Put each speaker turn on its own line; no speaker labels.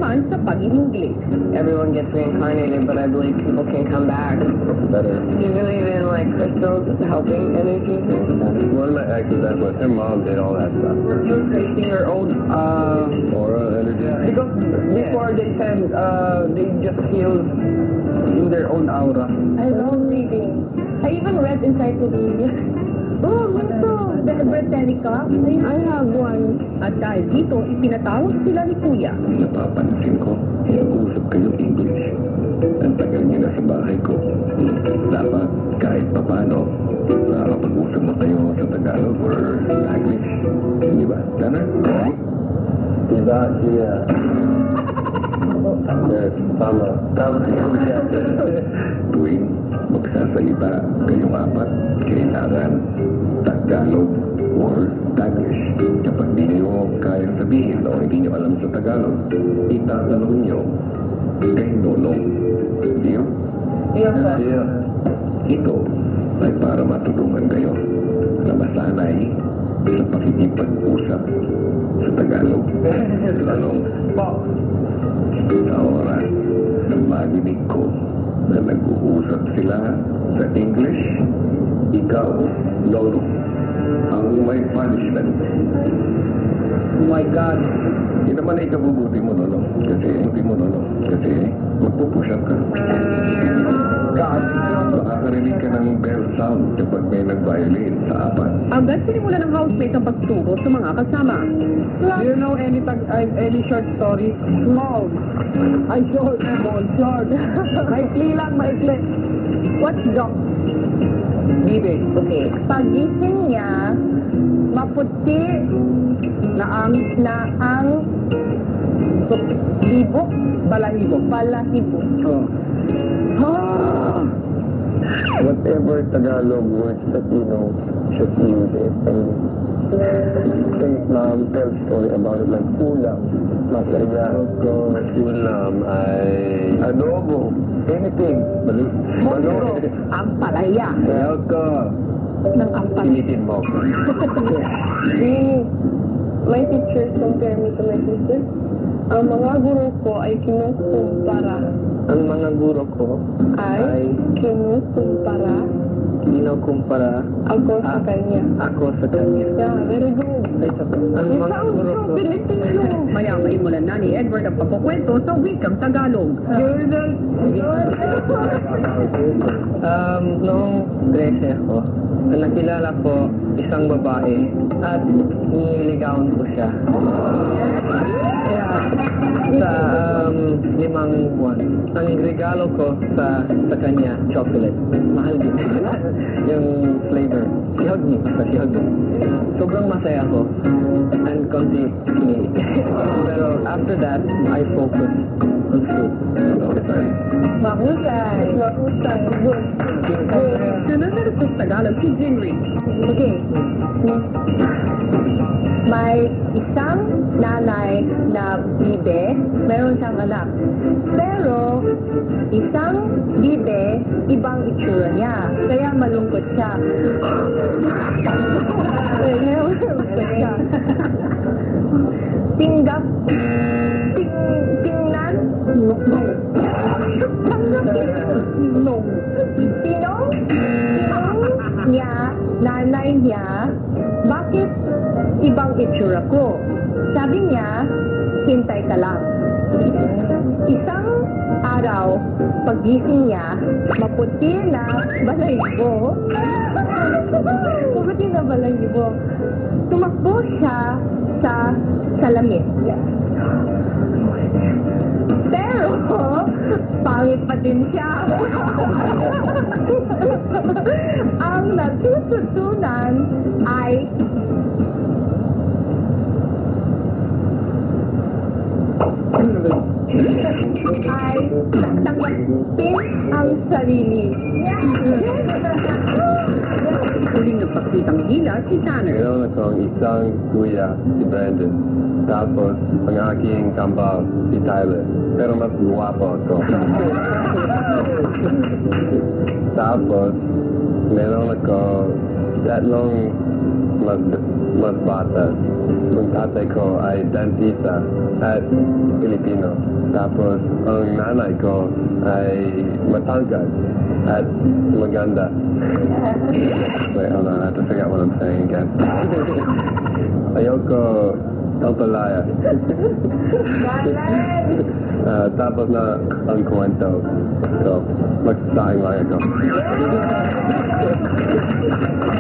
naman sa pag-English.
Everyone gets reincarnated, but I believe people can come back.
Better.
Do you believe in, like, crystals helping energies and stuff?
One of my exes, that's what her mom did all that stuff.
You're creating your own,
Aura, energy.
because before they said, they just heal in their own aura.
I love reading. I even read encyclopedia. Oh, ito. The Britannica.
I have one.
At dahil dito, ipinatawag sila ni Kuya.
Napapansin ko, nag-uusap kayo English. Ang tagal niyo na sa bahay ko. Dapat kahit papano, nakakapag-usap na kayo sa Tagalog or English. Di ba? Tana? Diba siya? Tama. Tama siya. Tuwing magsasalita kayong apat, kailangan Tagalog or Taglish. Kapag di nyo kaya sabihin o hindi nyo alam sa Tagalog, itatanong nyo kay Nonong. Deal?
Yeah.
Ito ay para matulungan kayo na masanay sa pakikipag-usap sa Tagalog. Tanong, sa oras na marinig ko na nag-uusap sila sa English, ikaw, Lolo, ang may punishment.
Oh my God.
Hindi naman ay kabubuti mo, Lolo. Kasi magpupush up ka.
God.
Makakarinig ka ng bell sound kapag may nag-violin sa apat.
Agad sinimula ng housemate ang pagturo sa mga kasama.
Do you know any short story? Small. I short. Short. Maikli lang, maikli.
What's dog?
Bibe.
Okay. Pagising niya, maputi
Na ang
libo,
balahibo.
balahibo.
Oh.
Whatever Tagalog words that you know, just use it. And mom tell story about it like ulam, masaya, ulam ay adobo, anything.
Monstro, ang palaya
Elko,
ng ampal.
pilitin mo.
My teachers compare me to my sister. Ang mga guro ko ay kinukumpara.
Ang mga guro ko
Ay kinukumpara
kinukumpara
ako sa kanya.
ako sa kanya.
Yeah, very good.
Ang
It
mga
sounds
guro
so
ko.
Filipino.
Maya maimulan na ni Edward ang pagkukwento sa wikang Tagalog.
Noong 13 ako, nakilala ko isang babae at niligawan ko siya. Kaya sa 5 buwan, ang regalo ko sa kanya, chocolate. Mahal din. Yung flavor. Sihag niya. Sihag niya. Sobrang masaya ko. And konti kinilig. Pero after that, I focus on food.
Mahusay. Mahusay. Good.
Sunod-sunod sa Tagalog si Jinri.
Okay. May isang nanay na bibe, meron siyang anak. Pero, isang bibe, ibang itsura niya. Kaya malungkot siya. Kaya malungkot siya. Tinggap, tingnan, tinong niya, nanay niya, bakit ibang itsura ko? Sabi niya, hintay ka lang. Isang araw, pagising niya, maputi na balahibo. Maputi na balahibo. Tumakbo siya sa salamin. Pero, pangit pa din siya. Ang natututunan ay tanggapin ang sarili.
Huling nagpakitang hila si Tanner.
Meron akong isang kuya, si Brandon. Tapos, ang aking kambal, si Tyler. Pero mas guwapo ako. Tapos, meron ako tatlong
mas bata. Ang tatay ko ay dentista at Pilipino. Tapos ang nanay ko ay matangkad at maganda. Wait, hold on, I have to figure out what I'm saying again. Ayoko talpalaya. Tapos na ang kwento. So, magsasaing lang ako.